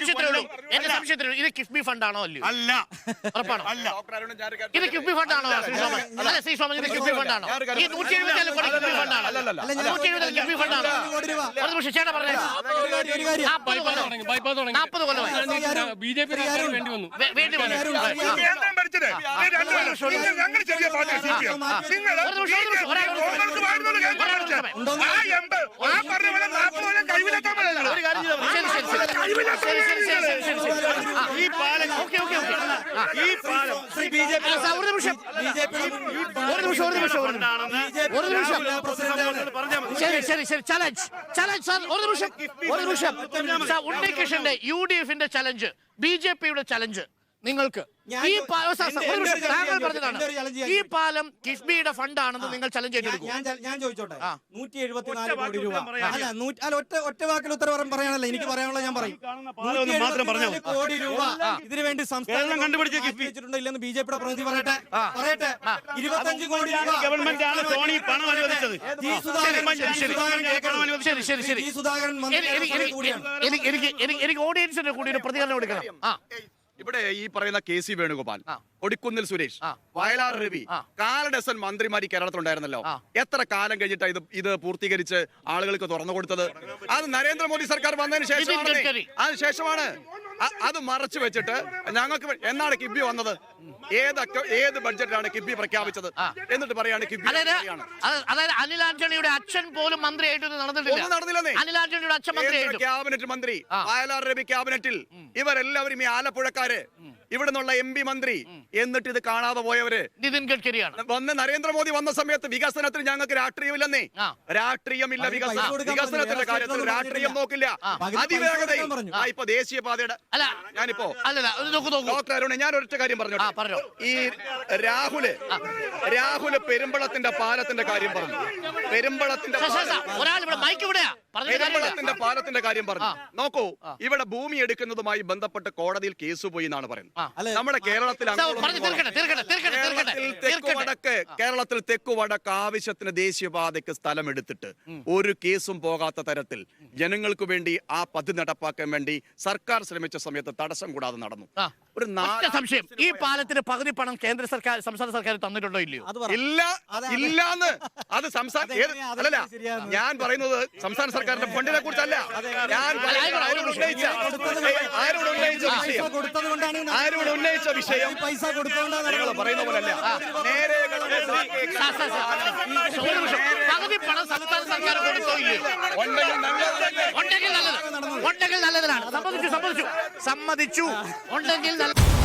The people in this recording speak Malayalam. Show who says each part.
Speaker 1: സംശയത്തിലുള്ളൂ ഇത് കിഫ്ബി ഫണ്ടാണോ അല്ലയോ?
Speaker 2: അല്ല.
Speaker 1: ഉറപ്പാണോ? ഇത് കിഫ്ബി ഫണ്ടാണോ ശ്രീ സോമൻ? ഇത് കിഫ്ബി ഫണ്ടാണോ? ഈ 170 കോടി കിഫ്ബി ഫണ്ടാണോ? 170 കിഫ്ബി ഫണ്ടാണോ? ഒരു നിമിഷം ചേട്ടാ പറഞ്ഞേ. 40 കൊല്ലമായി
Speaker 3: ബിജെപി വേണ്ടി വന്നു.
Speaker 2: കേന്ദ്രം ഭരിച്ചത് ഞങ്ങൾ ചെറിയ പാർട്ടി ഈ പാലം
Speaker 1: ഉണ്ണികൃഷ്ണന്റെ UDF-ന്റെ ചലഞ്ച്, BJP-യുടെ ചലഞ്ച് നിങ്ങൾക്ക് താങ്കൾ പറഞ്ഞതാണ് ഈ പാലം കിഫ്ബിയുടെ ഫണ്ടാണെന്ന് നിങ്ങൾ ചലഞ്ച് ചെയ്തെടുക്കും.
Speaker 4: ഞാൻ ചോദിച്ചോട്ടെ, 174 കോടി രൂപ അല്ല, ഒറ്റ വാക്കിൽ ഉത്തരവാദം പറയാനല്ല എനിക്ക് പറയാനുള്ള. ഞാൻ പറയും 174 കോടി രൂപ ഇതിനു വേണ്ടി സംസ്ഥാനം കണ്ടുപിടിച്ചിട്ടുണ്ടോ ഇല്ലെന്ന് BJP-യുടെ പ്രതിനിധി പറയട്ടെ. 25 കോടി രൂപ
Speaker 2: ഗവൺമെന്റ് ആണ് സോണി പണം അനുവദിച്ചത്.
Speaker 1: എനിക്ക് ഓഡിയൻസിന്റെ കൂടി ഒരു പ്രതികരണം എടുക്കണം.
Speaker 5: ഇവിടെ ഈ പറയുന്ന KC വേണുഗോപാൽ, ഒടിക്കുന്നിൽ സുരേഷ്, വയലാർ രവി, 4 ഡസൻ മന്ത്രിമാർ കേരളത്തിലുണ്ടായിരുന്നല്ലോ. എത്ര കാലം കഴിഞ്ഞിട്ടാണ് ഇത് പൂർത്തീകരിച്ച് ആളുകൾക്ക് തുറന്നു കൊടുത്തത്? അത് നരേന്ദ്രമോദി സർക്കാർ വന്നതിന് ശേഷമാണ്. അത് മറച്ചു വെച്ചിട്ട് ഞങ്ങൾക്ക് എന്നാണ് കിഫ്ബി വന്നത്? ഏത് ബഡ്ജറ്റിലാണ് കിഫ്ബി പ്രഖ്യാപിച്ചത്? എന്നിട്ട് പറയാണ് കിഫ്ബി.
Speaker 1: അതായത് അനിൽ ആന്റണിയുടെ അച്ഛൻ പോലും മന്ത്രിയായിട്ട് നടന്നില്ലെന്നേ. അനിൽ ആന്റണിയുടെ അച്ഛൻ
Speaker 5: ക്യാബിനറ്റ് മന്ത്രി, വയലാർ രവി ക്യാബിനറ്റിൽ, ഇവരെല്ലാവരും ഈ ആലപ്പുഴക്കാര്, ഇവിടെ നിന്നുള്ള MP മന്ത്രി, എന്നിട്ട് ഇത് കാണാതെ പോയവര്
Speaker 1: നിതിൻ ഗഡ്കരിയാണ്.
Speaker 5: വന്ന് നരേന്ദ്രമോദി വന്ന സമയത്ത് വികസനത്തിൽ ഞങ്ങൾക്ക് രാഷ്ട്രീയമില്ലെന്നേ. രാഷ്ട്രീയമില്ല വികസനത്തിന്റെ കാര്യത്തിൽ രാഷ്ട്രീയം നോക്കില്ല. അതിവേഗതയിൽ ഇപ്പൊ ദേശീയപാതയുടെ ഞാനിപ്പോ ഡോക്ടർ അരുൺ, ഞാൻ ഒരൊറ്റ കാര്യം പറഞ്ഞു. ഈ രാഹുല് പെരുമ്പളത്തിന്റെ പാലത്തിന്റെ കാര്യം പറഞ്ഞു. പെരുമ്പളത്തിന്റെ കാര്യം പറഞ്ഞു. നോക്കൂ, ഇവിടെ ഭൂമി എടുക്കുന്നതുമായി ബന്ധപ്പെട്ട് കോടതിയിൽ കേസ് പോയി എന്നാണ് പറയുന്നത്. നമ്മുടെ കേരളത്തിൽ തെക്കുവടക്ക് ആവശ്യത്തിന് ദേശീയപാതയ്ക്ക് സ്ഥലം എടുത്തിട്ട് ഒരു കേസും പോകാത്ത തരത്തിൽ ജനങ്ങൾക്ക് വേണ്ടി ആ പദ്ധതി നടപ്പാക്കാൻ വേണ്ടി സർക്കാർ ശ്രമിച്ച സമയത്ത് തടസ്സം കൂടാതെ നടന്നു. ഒരു
Speaker 1: സംശയം, ഈ പാലത്തിന് പകുതി പണം കേന്ദ്ര സർക്കാർ സംസ്ഥാന സർക്കാർ തന്നിട്ടുണ്ടോ ഇല്ലയോ?
Speaker 5: ഇല്ലാന്ന്. അത് അല്ലല്ല, ഞാൻ പറയുന്നത് സംസ്ഥാന സർക്കാരിന്റെ ഫണ്ടിനെ കുറിച്ചല്ല. ഞാൻ ആരോട് ഉന്നയിച്ച വിഷയം
Speaker 4: പൈസ കൊടുത്തോണ്ടാണ്
Speaker 5: പറയുന്ന പോലല്ല. നേരെ
Speaker 1: പകുതി പണം സംസ്ഥാന സർക്കാർ കൊടുത്തോ ഇല്ലയോ? ഉണ്ടെങ്കിൽ നല്ലതാണ്. സമ്മതിച്ചു. ഉണ്ടെങ്കിൽ നല്ല